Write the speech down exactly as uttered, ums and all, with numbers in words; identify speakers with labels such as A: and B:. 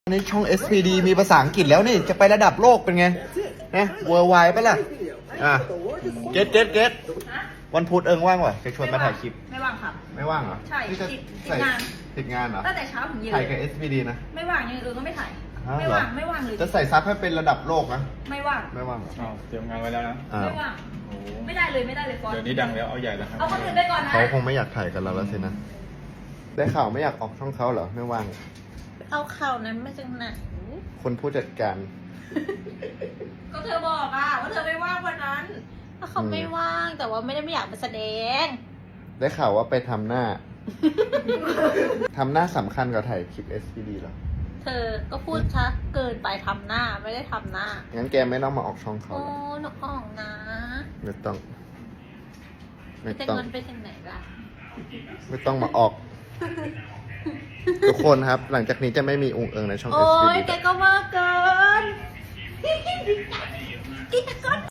A: ในช่อง เอส พี ดี มีภาษาอังกฤษแล้วนี่จะไประดับโลกเป็นไงนะเวอร์ไวไปะล่ะอ่ะเก็ตเก็ตเก็ตวันพุธเอิงว่างวะจะชวนมาถ่ายคลิป
B: ไม่ว่างครับ
A: ไม่ว่างเหรอ
B: ใช่
A: นี่จะ
B: ติด
A: ใส่
B: ติดงาน
A: ติดงานเหรอ
B: ตั้งแต่เช้าถึงเย็น
A: ถ่ายกับ เอส พี ดี นะ
B: ไม่ว่างยังเออก็ไม่ถ่าย
A: อ้าว
B: ไม่
A: เหรอ
B: ว่างไม่ว่างเลย
A: จะใส่ซับให้เป็นระดับโลกนะ
B: ไม่ว่าง
A: ไม่ว่างเหรอ
C: อ้าวเตรียมงานไว้แล้วนะ
A: อ้าว
B: ไม่ว่าง
C: โอ้โห
B: ไม่ได้เลยไม่ได้เลยฟอน
C: เดี๋ยวนี้ดังแล้วเอาใหญ่แล้วครับ
B: เอาคนอื่นไปก่อนนะ
A: เขาคงไม่อยากถ่ายกับเราแล้วสินะได้ข่าวไม่อยากออกช่องเขาเหรอไม่ว่าง
B: เอาข่าวนั้นมาจากไหน
A: คนผู้จัดการ
B: ก็เธอบอกอ่ะว่าเธอไม่ว่างวันนั้น
D: ถ้าเขาไม่ว่างแต่ว่าไม่ได้ไม่อยากมาแสดง
A: ได้ข่าวว่าไปทำหน้า ทำหน้าสำคัญกว่าถ่ายคลิป เอส พี ดี เหรอ
D: เธอก็พูดชัดเกินไปทำหน้าไม่ได้ทำหน้า
A: งั้นแกไม่ต้องมาออกช่องเขา
D: โอ้
A: หรอก
D: หนูออกนะ
A: ไม่ต้อง ไม่
D: แต่
A: ต้อง
D: เงินไปถึงไหนล่ะ
A: ไม่ต้องมาออก ทุกคนครับ หลังจากนี้จะไม่มีองค์เอิงในช่อง
D: โอ้
A: เอส พี
D: ย
A: ดี
D: แกก็มากเกิน กินก่อน